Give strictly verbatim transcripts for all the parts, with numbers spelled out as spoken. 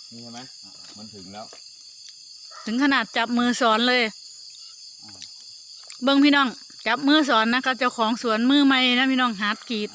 นี่ใช่ไหมมันถึงแล้วถึงขนาดจับมือสอนเลยเบิ้งพี่น้องจับมือสอนนะคะเจ้าของสวนมือใหม่นะพี่น้องฮาร์ดกรีด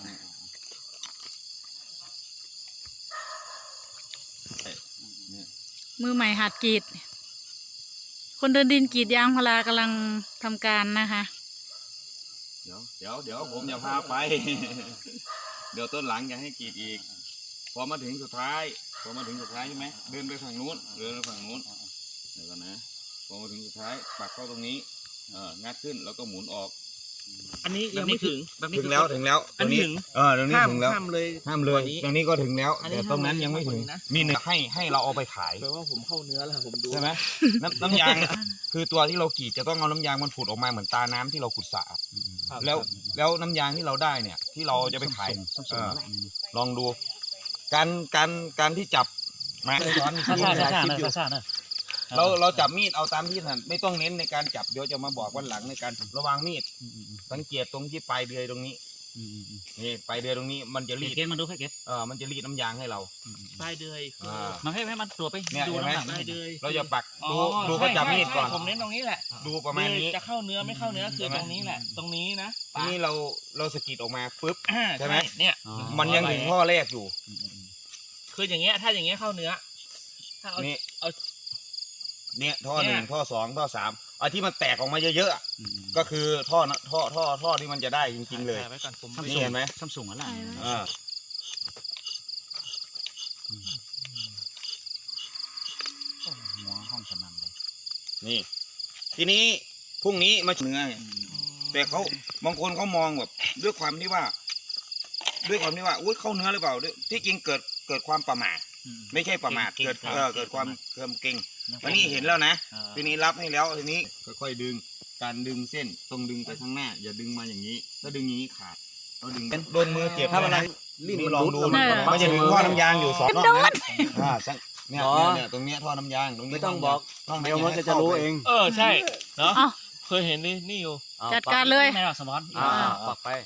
มือใหม่หัดกรีดคนเดินดินกรีดยางพารากำลังทำการนะคะเดี๋ยวเดี๋ยวเดี๋ยวผมจะพาไป เดี๋ยวต้นหลังจะให้กรีดอีกพอมาถึงสุดท้ายพอมาถึงสุดท้ายใช่ไหมเดินไปฝั่งนู้นเดินไปฝั่งนู้นเดี๋ยวก่อนนะพอมาถึงสุดท้ายปักเข้าตรงนี้เอองัดขึ้นแล้วก็หมุนออกอันนี้ยังไม่ถึงถึงแล้วถึงแล้วตรงนี้เออตรงนี้ถึงแล้วห้ามเลยห้ามเลยตรงนี้ก็ถึงแล้วแต่ตรงนั้นยังไม่ถึงมีหนึ่งให้ให้เราเอาไปขายแปลว่าผมเข้าเนื้อแล้วผมดูใช่ไหมน้ำน้ำยางคือตัวที่เรากรีดจะต้องเอาน้ำยางมันผุดออกมาเหมือนตาน้ำที่เราขุดสระแล้วแล้วน้ำยางที่เราได้เนี่ยที่เราจะไปขายลองดูการการการที่จับมาช้อนช้อนช้อนเราเราจับมีดเอาตามที่ถนัดไม่ต้องเน้นในการจับเดี๋ยวจะมาบอกวันหลังในการระวังมีดสังเกตตรงที่ปลายเดือยตรงนี้นี่ปลายเดือยตรงนี้มันจะรีดเก็บมันดูให้เก็บเออมันจะรีดน้ำยางให้เราปลายเดือยมันให้ให้มันตัวไปดูน้ำหนักปลายเดือยเราจะปักดูดูก็จับมีดก่อนผมเน้นตรงนี้แหละดูประมาณนี้จะเข้าเนื้อไม่เข้าเนื้อคือตรงนี้แหละตรงนี้นะนี่เราเราสกิดออกมาปึ๊บใช่ไหมเนี่ยมันยังถึงข้อแรกอยู่คืออย่างเงี้ยถ้าอย่างเงี้ยเข้าเนื้อถ้าเอาเอาเนี่ยท่อหนึ่งท่อสองท่อสามไอ้ที่มันแตกออกมาเยอะๆก็คือท่อท่อท่อท่อที่มันจะได้จริงๆเลยนี่เห็นไหมซัมซุงอะไรหัวห้องสนั่นเลยนี่ทีนี้พรุ่งนี้มาเนื้อแต่เขาบางคนเขามองแบบด้วยความที่ว่าด้วยความที่ว่าอุ้ยเข้าเนื้อหรือเปล่าที่จริงเกิดเกิดความประมาทไม่ใช่ประมาทเกิดเออเกิดความเพิ่มเก่งวันนี้เห็นแล้วนะทีนี้รับให้แล้วทีนี้ค่อยๆดึงการดึงเส้นต้องดึงไปข้างหน้าอย่าดึงมาอย่างนี้ถ้าดึงอย่างนี้ขาดเราดึงโดนมือเจ็บถ้ามันลิ้นลองดูมันจะดึงท่อน้ำยางอยู่สองรอบนะอ่าเนี่ยเนี่ยตรงเนี้ยท่อน้ำยางตรงนี้ไม่ต้องบอกเดี๋ยวมันจะรู้เองเออใช่เนาะเคยเห็นนี่นี่อยู่จัดการเลยไม่หรอกสมอนอ่าปักไป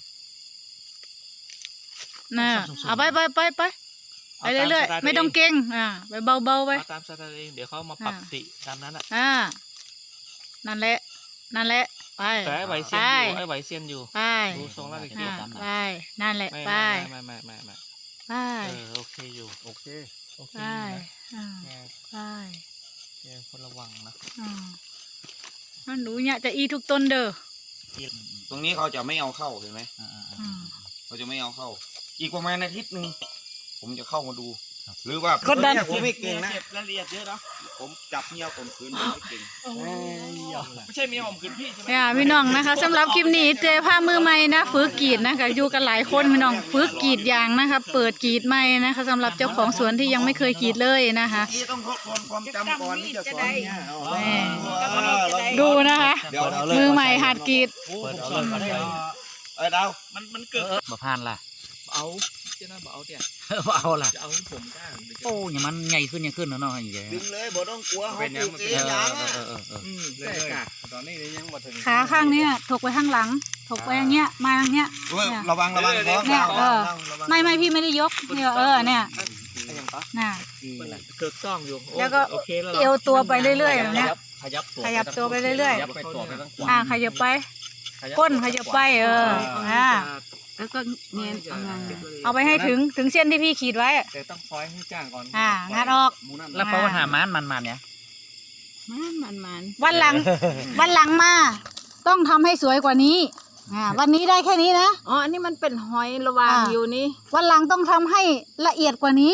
น่ะเอาไปไปไปไปไปเรื่อยๆไม่ต้องเก่งอ่าไปเบาๆไปตามสไตล์เองเดี๋ยวเขามาปรับติตามนั้นอ่ะอ่านั่นแหละนั่นแหละไปแต่ไอ้ไหวเซียนอยู่ไอ้ไหวเซียนอยู่ไปดูทรงแล้วเกี่ยวกันไปนั่นแหละไปไม่ไม่ไม่ไม่ไปโอเคอยู่โอเคโอเคไปไปแกคนระวังนะนั่นหนูเนี่ยจะอีทุกต้นเด้อตรงนี้เขาจะไม่เอาเข้าเห็นไหมเขาจะไม่เอาเข้าอีกประมาณอาทิตย์หนึ่งผมจะเข้ามาดูหรือว่าคนดันผมไม่เก่งนะรายละเอียดเยอะเนาะผมจับเมียผมคืนไม่เก่งไม่ใช่เมียผมคืนพี่ใช่ไหมเนี่ยพี่น้องนะคะสำหรับคลิปนี้เจอผ้ามือใหม่นะฝึกกรีดนะคะอยู่กันหลายคนพี่น้องฝึกกรีดยางนะคะเปิดกรีดใหม่นะคะสำหรับเจ้าของสวนที่ยังไม่เคยกรีดเลยนะคะต้องทบทวนความจำก่อนที่จะสอนเนี่ยดูนะคะมือใหม่หัดกรีดเออดาวมันมันเกิดมาผ่านล่ะเอาเจ้าหน้าบอกเอาเนี่ยเอาล่ะจะเอาผมได้โอ้ยมันใหญ่ขึ้นยังขึ้นเนาะเนาะอย่างเงี้ยดึงเลยบ่ต้องกลัวเขาปลูกเองยางอ่ะเลยตอนนี้ยังมาถึงขาข้างเนี้ยถกไปข้างหลังถกไปอย่างเงี้ยมาอย่างเงี้ยระวังระวังเนี่ยเออไม่ไม่พี่ไม่ได้ยกเนี่ยเออเนี่ยน่ะเกิดต้องอยู่แล้วก็เอวตัวไปเรื่อยๆเนี่ยขยับขยับตัวไปเรื่อยๆอ่าขยับไปก้นขยับไปเอออ่าแล้วก็เนียนเอาไปให้ถึงถึงเส้นที่พี่ขีดไว้แต่ต้องคอยให้จ้างก่อนอ่างัดออกแล้วเพราะว่าหามันมันมันเนี่ยมันมันมันวันหลังวันหลังมาต้องทำให้สวยกว่านี้อ่าวันนี้ได้แค่นี้นะอ๋ออันนี้มันเป็นหอยระวางอยู่นี่วันหลังต้องทำให้ละเอียดกว่านี้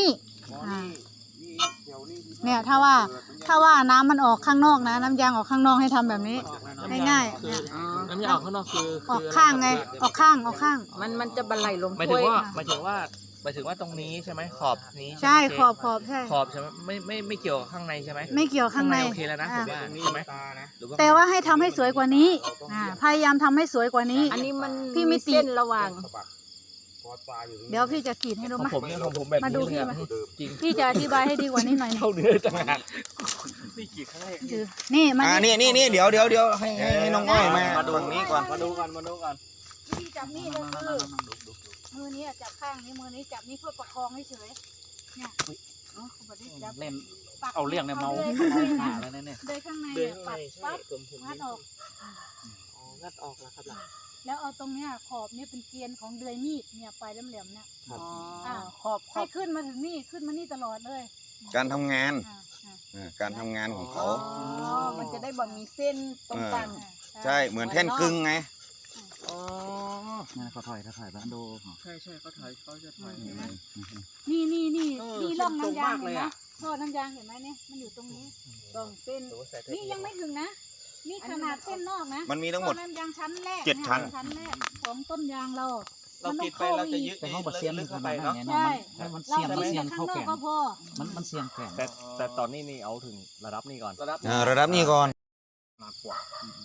เนี่ยถ้าว่าถ้าว่าน้ำมันออกข้างนอกนะน้ำยางออกข้างนอกให้ทำแบบนี้ง่ายๆน้ำยางออกข้างนอกคือออกข้างไงออกข้างออกข้างมันมันจะบรรลัยลงหมายถึงว่าหมายถึงว่าหมายถึงว่าตรงนี้ใช่ไหมขอบนี้ใช่ขอบขอบใช่ขอบใช่ไหมไม่ไม่ไม่เกี่ยวกับข้างในใช่ไหมไม่เกี่ยวข้างในโอเคแล้วนะผมว่าใช่ไหมแต่ว่าให้ทำให้สวยกว่านี้พยายามทำให้สวยกว่านี้อันนี้มันพี่ไม่เส้นระหว่างเดี๋ยวพี่จะขีดให้ดูมาผมเนี่ยผมแบบมาดูพี่มาพี่จะอธิบายให้ดีกว่านี้หน่อยเข้าเนื้อจังหวะนี่ขีดครั้งแรกนี่มาอ่านี่นี่นี่เดี๋ยวเดี๋ยวเดี๋ยวให้ให้น้องอ้อยมามาดูนี้ก่อนมาดูกันมาดูกันพี่จับนี่ก็คือมือนี้จับข้างนี้มือนี้จับนี่เพื่อประคองให้เฉยเนี่ยเล่นปักเอาเรื่องเนี่ยเมาเลยเมาข้างในหานะแล้วเนี่ยเลยข้างในเดินอะข้างในปักใช่ปั๊บผมผมงัดออกอ๋องัดออกแล้วครับล่ะแล้วเอาตรงเนี้ยขอบเนี่ยเป็นเกรียนของเดือยมีดเนี่ยปลายแหลมๆเนี่ยครับอ๋ออ่าขอบขให้อบขึ้นมาถึงนี่ขึ้นมานี่ตลอดเลยการทำงานอ่าอ่าอ่าการทำงานของอ๋เขาอมันจะได้บ่มีเส้นตรงกลางอ่าใช่เหมือนแท่นกึ่งไงอ๋องั้นเขาถอยเขาถอยบ้านดูใช่ใช่เขาถอยเขาจะถอยเห็นไหมนี่นี่นี่เออนี่ร่องเส้นตรงน้ำยางมากเห็เลนยไหมอะท่อน้ำยางเห็นไหมเนี่ยมันอยู่ตรงนี้ต้องเส้นหรือว่าใส่เทปนี่ยังไม่ถึงนะ นี่ขนาดเส้นนอกนะมันมีทั้งหมดท่อน้ำยางชั้นแรกเจ็ดชั้นชั้นแรกของต้นยางเราเราติดไปเราจะยึดแต่ห้องบัดเซียนลึลึกกเข้าเข้าไปไปเนาะเนาะใช่มันมันเราเสียงมันติดเสียแต่งข้างเข้านอกแก่ก็พอมันมันเสียงแก่แต่แต่ตอนนี้นี่เอาถึงระดับนี้ก่อนระดับอ่าระดับนี้ก่อนมากกว่า